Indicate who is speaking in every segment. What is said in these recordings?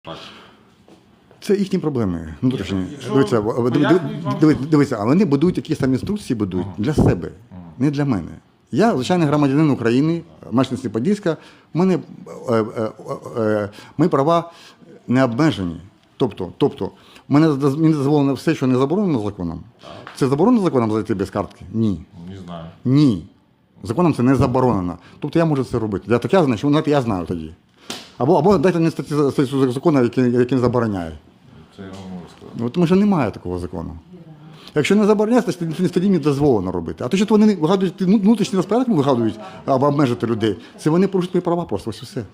Speaker 1: Так.
Speaker 2: Це їхні проблеми. Внутрішні.
Speaker 1: Якщо
Speaker 2: Дивіться, а вони будують якісь там інструкції, будують для себе, не для мене. Я звичайний громадянин України, мешканець Подільська, мої права не обмежені. Тобто мені дозволено все, що не заборонено законом. Це заборонено законом зайти без картки? Ні.
Speaker 1: Не знаю.
Speaker 2: Ні. Законом це не заборонено. Тобто я можу це робити. Так я знаю, що я знаю тоді. Або дайте мені статтю закону, який забороняє.
Speaker 1: Це я вам можу сказати.
Speaker 2: Тому що немає такого закону. Якщо не забороняється, то тоді не дозволено робити. А те, що вони вигадують, внутрішній розпорядок вигадують, або обмежити людей, це вони порушують мої права просто, ось і все.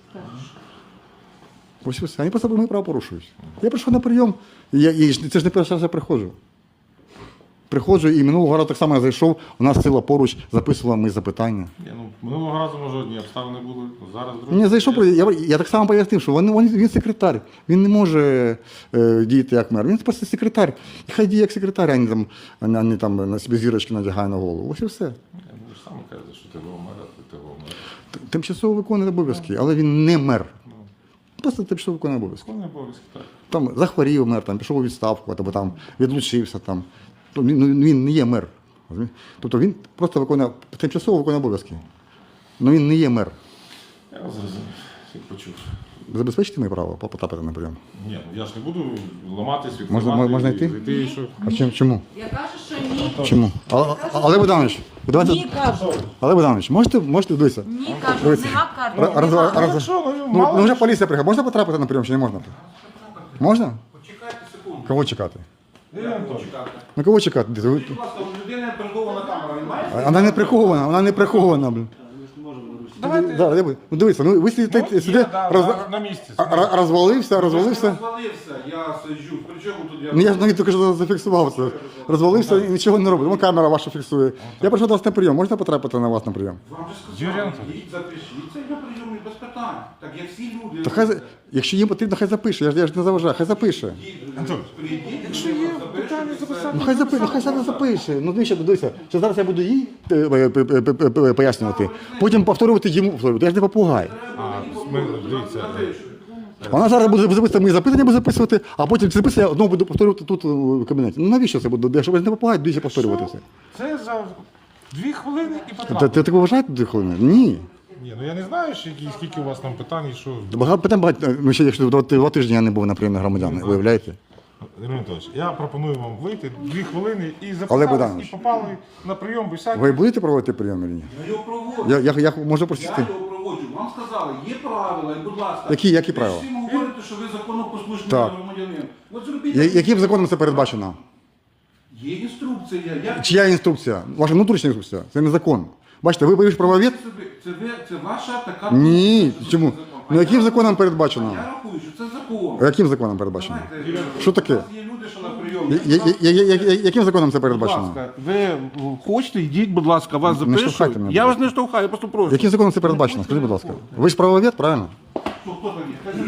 Speaker 2: Ось і все. Вони просто мої права порушують. Я прийшов на прийом, і це ж не перший раз я приходжу. Приходжу, і минулого разу так само я зайшов, у нас сила поруч записувала мої запитання.
Speaker 1: Минулого разу, може, одні обставини були, зараз другі.
Speaker 2: Ні, зайшов, я так само пояснив, що він секретар, він не може діяти як мер, він просто секретар. І хай діє як секретар, а не там на собі зірочки надягає на голову. Ось і все.
Speaker 1: Ви ж самі кажете, що ти мера, ти мер.
Speaker 2: Тимчасово виконує обов'язки, але він не мер. Просто тимчасово виконує обов'язки.
Speaker 1: Виконує обов'язки, так.
Speaker 2: Там захворів мер, там, пішов у відставку, або там відлучився. Там. Він не є мер. Тобто він просто тимчасово виконує обов'язки. Але він не є мер.
Speaker 1: Я вас зрозумів, всіх почув.
Speaker 2: Забезпечити моє право потрапити на прийом?
Speaker 1: Ні, я ж не буду ламатись,
Speaker 2: Можна йти?
Speaker 1: Що?
Speaker 2: А чому?
Speaker 3: Я кажу, що ні.
Speaker 2: Чому? Олег Богданович,
Speaker 3: Ні, кажу.
Speaker 2: Олег Богданович, можете дивитися?
Speaker 3: Ні, кажу,
Speaker 2: Дивіться.
Speaker 3: нема карти.
Speaker 2: Ну, вже поліція приїхала. Можна потрапити на прийом чи не можна? Можна?
Speaker 4: Почекайте секунду.
Speaker 2: Кого чекати?
Speaker 4: Чекати.
Speaker 2: На кого чекати?
Speaker 4: Будь ласка, у людини прихована камера, він має?
Speaker 2: Вона не прихована, блін.
Speaker 1: Давайте.
Speaker 2: Дивіться, ви сидите,
Speaker 1: На місці.
Speaker 2: розвалився.
Speaker 4: Розвалився, я сиджу. При чому тут я?
Speaker 2: Ну, я ж навіть тільки що зафіксував це. Розвалився і нічого не робить. Вон камера ваша фіксує. Я прийшов до вас на прийом. Можна потрапити на вас на прийом?
Speaker 4: Вам же
Speaker 1: Юрій
Speaker 4: сказали,
Speaker 1: Анатолійович.
Speaker 4: їдь запишіться і на прийомі без питань. Так як всі люди.
Speaker 2: То хай, якщо їм потрібно, хай запише. Я ж не заважаю, хай запише.
Speaker 4: Прийдіть,
Speaker 1: Якщо є питання записати.
Speaker 2: Хай зараз запише. Ну, дивися, що зараз я буду їй пояснювати, потім повторювати йому. Я ж не попугай.
Speaker 1: Дивіться,
Speaker 2: Вона зараз буде записувати мої запитання, буде записувати, а потім ці записи я одного буду повторювати тут у кабінеті. Ну навіщо це буде? Щоб не попугай, двічі повторювати це.
Speaker 1: це за 2 хвилини і потрапити.
Speaker 2: Ти так вважаєте 2 хвилини? Ні.
Speaker 1: Ні, ну я не знаю, скільки у вас там питань і що.
Speaker 2: Багато питань, ну ще якщо 2 тижні я не був на прийомі громадян, виявляєте?
Speaker 1: Юрій Анатолійович, я пропоную вам вийти 2 хвилини і
Speaker 2: Олег
Speaker 1: записались,
Speaker 2: Богданович.
Speaker 1: і попали на прийом без всяких.
Speaker 2: Ви будете проводити прийом чи ні?
Speaker 4: Я його проводжу.
Speaker 2: Я можу
Speaker 4: Я
Speaker 2: просити.
Speaker 4: його проводжу. Вам сказали, є правила, і будь ласка.
Speaker 2: Які правила?
Speaker 4: Ви всім говорите, що ви законопослушний
Speaker 2: Так.
Speaker 4: громадянин. От зробіть.
Speaker 2: Яким законом це передбачено?
Speaker 4: Є інструкція.
Speaker 2: Чия інструкція? Ваша внутрішня інструкція? Це не закон. Бачите, ви ж правовед?
Speaker 4: Це ваша така...
Speaker 2: Ні.
Speaker 4: позиція,
Speaker 2: Чому?
Speaker 4: що це закон.
Speaker 2: Ну яким законом
Speaker 4: Я
Speaker 2: передбачено?
Speaker 4: рахую, що це закон.
Speaker 2: Яким законом передбачено?
Speaker 4: Знаєте,
Speaker 2: Що таке?
Speaker 4: У нас є люди, що на прийомі.
Speaker 2: Яким законом це
Speaker 4: Будь
Speaker 2: передбачено?
Speaker 4: ласка, ви хочете, йдіть, будь ласка, вас
Speaker 2: Не штовхайте
Speaker 4: запишуть.
Speaker 2: мене,
Speaker 4: Я
Speaker 2: будь
Speaker 4: вас не штовхаю, я просто прошу.
Speaker 2: Яким законом це передбачено? Скажіть, будь ласка. Ви ж правовед, правильно?
Speaker 4: Хто там є?